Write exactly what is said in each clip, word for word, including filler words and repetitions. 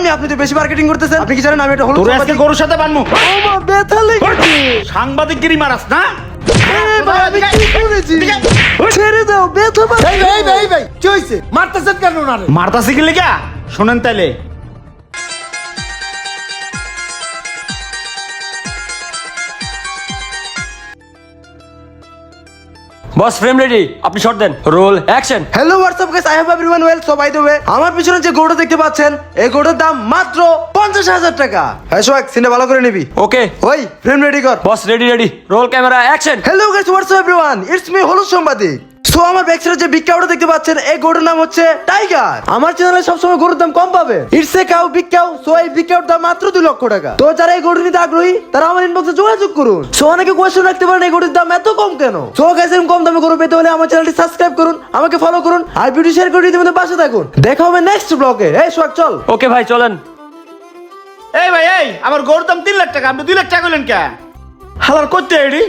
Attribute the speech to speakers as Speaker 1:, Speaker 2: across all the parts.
Speaker 1: আপনি আপনি তো বেশি মার্কেটিং করতেছেন। আপনি কি জানেন আমি এটা হলুদ
Speaker 2: তোর আজকে গরুর সাথে বানমু।
Speaker 1: ও মা ব্যথা লেগেছে।
Speaker 2: সাংবাদিকগিরি মারাস না?
Speaker 1: এই ভাই আমি কি করেছি? ছেড়ে দাও, ব্যথা পাচ্ছি।
Speaker 3: এই ভাই এই ভাই এই ভাই কি হইছে? মারতেছেন কেন ওনারে?
Speaker 2: মারতাছি কি লিগা? শুনেন তাইলে।
Speaker 4: বস ফ্রেম রেডি, আপনি শট দেন। Roll action.
Speaker 1: Hello what's up guys, I have everyone well. So by the way, আমার পিছনে যে গরুটা দেখতে পাচ্ছেন এই গরুটার দাম মাত্র পঞ্চাশ হাজার টাকা। হ্যাঁ সোহাগ, সিনটা ভালো করে নিবি।
Speaker 4: ওকে
Speaker 1: ওই ফ্রেম রেডি কর।
Speaker 4: Boss ready ready. Roll camera action.
Speaker 1: Hello guys, what's up everyone, it's me হলুদ সাংবাদিক। সো আমার ব্যাক সাইডে যে বিগ কাউটা দেখতে পাচ্ছেন এই গরুর নাম হচ্ছে টাইগার। আমার চ্যানেলে সবসময় গরুর দাম কম পাবে। It's a cow, big cow. So এই বিগ কাউর দাম মাত্র দুই লক্ষ টাকা। তো যারা এই গরু নিতে আগ্রহী তারা আমার ইনবক্সে যোগাযোগ করুন। সো অনেকে কোয়েশ্চেন রাখতে পারেন এই গরুর দাম এত কম কেন। সো গাইস, এরকম কম দামে গরু পেতে হলে আমার চ্যানেলটি সাবস্ক্রাইব করুন, আমাকে ফলো করুন আর ভিডিও শেয়ার করে দিতে পাশে থাকুন। দেখা হবে নেক্সট ব্লগে। এই সোহাগ চল।
Speaker 4: ওকে ভাই চলেন।
Speaker 2: এই ভাই এই, আমার গরুর দাম তিন লাখ টাকা, আপনি দুই লাখ টাকা কইলেন কে? হালার করতে এডি।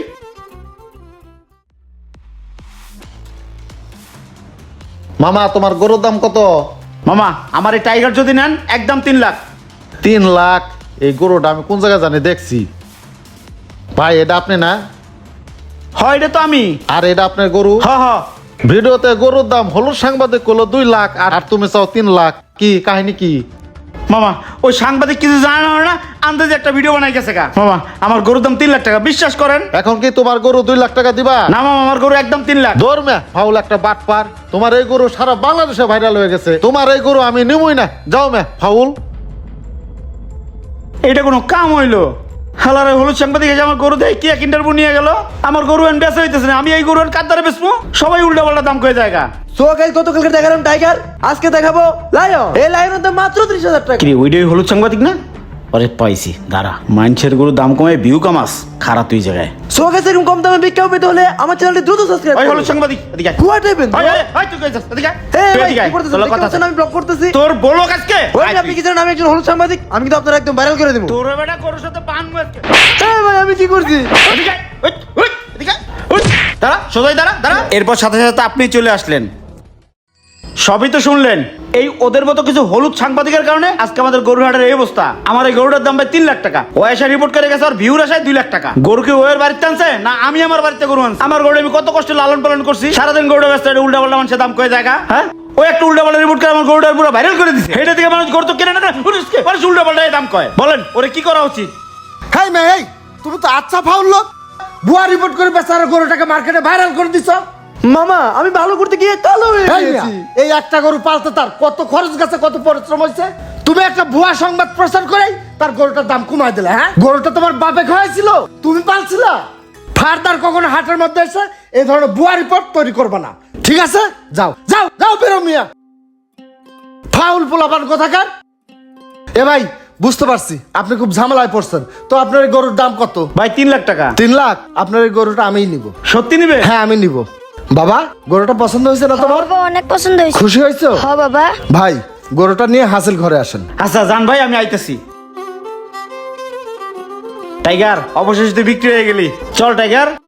Speaker 5: মামা তোমার গরুর দাম কত?
Speaker 2: মামা আমার এই টাইগার যদি নেন একদম তিন লাখ।
Speaker 5: তিন লাখ? এই গরুটা আমি কোন জায়গায় জানি দেখছি। ভাই এটা আপনি না?
Speaker 2: হয় এটা তো আমি।
Speaker 5: আর এটা আপনার গরু?
Speaker 2: হ হ।
Speaker 5: ভিডিওতে গরুর দাম হলুদ সাংবাদিক করলো দুই লাখ আর তুমি চাও তিন লাখ, কি কাহিনী কি?
Speaker 2: মামা ওই সাংবাদিক কিছু জানে না, আন্দাজে একটা ভিডিও বানাই গেছে গা। মামা আমার গরুর দাম তিন লাখ টাকা, বিশ্বাস করেন।
Speaker 5: এখন কি তোমার গরু দুই লাখ টাকা দিবা?
Speaker 2: না মামা, আমার গরু একদম তিন লাখ।
Speaker 5: ধর্মে ফাউল একটা বাটপার। তোমার এই গরু সারা বাংলাদেশে ভাইরাল হয়ে গেছে। তোমার এই গরু আমি নিবই না, যাও মে ফাউল।
Speaker 2: এটা কোনো কাম হইলো? হালার হলুদ সাংবাদিক এসে আমার গরু দেয় কি এক ইন্টারভিউ নিয়ে গেল। আমার গরু এন বেচা হইতেছে না, আমি এই গরু কার দ্বারা বেচবো? সবাই উল্টা পাল্টা দাম করে জায়গা।
Speaker 1: সো গাইস, গতকালকে দেখালাম টাইগার, আজকে দেখাবো লায়ন। এই লায়নের দাম মাত্র ত্রিশ হাজার টাকা।
Speaker 2: কি ওইটাই হলুদ সাংবাদিক না? আরে পাইছি, দাঁড়া। মানুষের গরু দাম কমে ভিউ কামাস, খারাপ তুই জায়গায়।
Speaker 1: সো গাইস, এরকম কম দামে বিক্রি পেতে হলে আমার চ্যানেলটি দ্রুত সাবস্ক্রাইব
Speaker 2: ওই
Speaker 1: করুন।
Speaker 2: হলুদ সাংবাদিক এদিকে আয়।
Speaker 1: What happened?
Speaker 2: ওই, ওই, ওই, তুই কই যাস? এদিকে আয়।
Speaker 1: এই
Speaker 2: তুই
Speaker 1: ভাই,
Speaker 2: এদিকে
Speaker 1: কি
Speaker 2: আয়।
Speaker 1: করতেছেন?
Speaker 2: তোর
Speaker 1: দেখতে
Speaker 2: কথা
Speaker 1: পাচ্ছেন আমি ব্লগ করতেছি।
Speaker 2: তোর বলো কাজকে।
Speaker 1: ওই
Speaker 2: আয়
Speaker 1: যে আপনি
Speaker 2: তুই।
Speaker 1: কি জানেন আমি একজন হলুদ সাংবাদিক, আমি কিন্তু আপনার একদম ভাইরাল করে দেব।
Speaker 2: তোর বেটা গরুর সাথে পান মুয়াজকে।
Speaker 1: এই ভাই আমি কি করছি?
Speaker 2: এদিকে আয়। ওই, ওই, এদিকে আয়। ওই, দাঁড়া, সোজাই দাঁড়া, দাঁড়া। এরপর সাথে সাথে আপনি চলে আসলেন। সবই তো শুনলেন। এই ওদের মতো কিছু হলুদ সাংবাদিকের কারণে আজকে আমাদের গরুর হাটের এই অবস্থা। আমার এই গরুটার দাম ভাই তিন লাখ টাকা। ও এসে রিপোর্ট করে গেছে আর ভিউর আসায় দুই লাখ টাকা। গরু কি ওর বাড়িতে আনছে না আমি আমার বাড়িতে গরু আনছি? আমার গরু আমি কত কষ্ট লালন পালন করছি, সারাদিন গরুটা ব্যস্ত উল্টা পাল্টা মানুষের দাম কয়ে জায়গা। হ্যাঁ, ও একটা উল্টা পাল্টা রিপোর্ট করে আমার গরুটার পুরো ভাইরাল করে দিচ্ছে। এটা থেকে মানুষ গরু তো কেনে না, মানুষ উল্টা পাল্টা দাম কয়। বলেন ওরে কি করা উচিত?
Speaker 3: হাই মে এই তুমি তো আচ্ছা ফাউল লোক। ভুয়া রিপোর্ট করে বেচারা গরুটাকে মার্কেটে ভাইরাল করে দিছো।
Speaker 1: মামা আমি ভালো করতে গিয়ে কালো হয়ে
Speaker 3: এই মিয়া,
Speaker 1: গেছি।
Speaker 3: এই একটা গরু পালতে তার কত খরচ গেছে, কত পরিশ্রম হয়েছে। তুমি একটা ভুয়া সংবাদ প্রচার করে তার গরুটার দাম কমাই দিলে। হ্যাঁ, গরুটা তোমার বাপে খাওয়াইছিল, তুমি পালছিলা। ফার্দার কখনো হাটের মধ্যে এসে এই ধরনের ভুয়া রিপোর্ট তৈরি করবে না, ঠিক আছে? যাও যাও যাও, বেরো মিয়া, ফাউল পোলাপান কোথাকার। এ ভাই বুঝতে পারছি আপনি খুব ঝামেলায় পড়ছেন। তো আপনার এই গরুর দাম কত?
Speaker 2: ভাই তিন লাখ টাকা।
Speaker 3: তিন লাখ? আপনার এই গরুটা আমিই নিব।
Speaker 2: সত্যি নিবে?
Speaker 3: হ্যাঁ আমি নিব। বাবা গরুটা পছন্দ হয়েছে না তোমার?
Speaker 6: বাবা অনেক পছন্দ হয়েছে।
Speaker 3: খুশি হয়েছো?
Speaker 6: হ্যাঁ বাবা।
Speaker 3: ভাই গরুটা নিয়ে হাসিল ঘরে আসেন।
Speaker 2: আচ্ছা জান ভাই, আমি আইতেছি। টাইগার অবশেষে তুই বিক্রি হয়ে গেলি। চল টাইগার।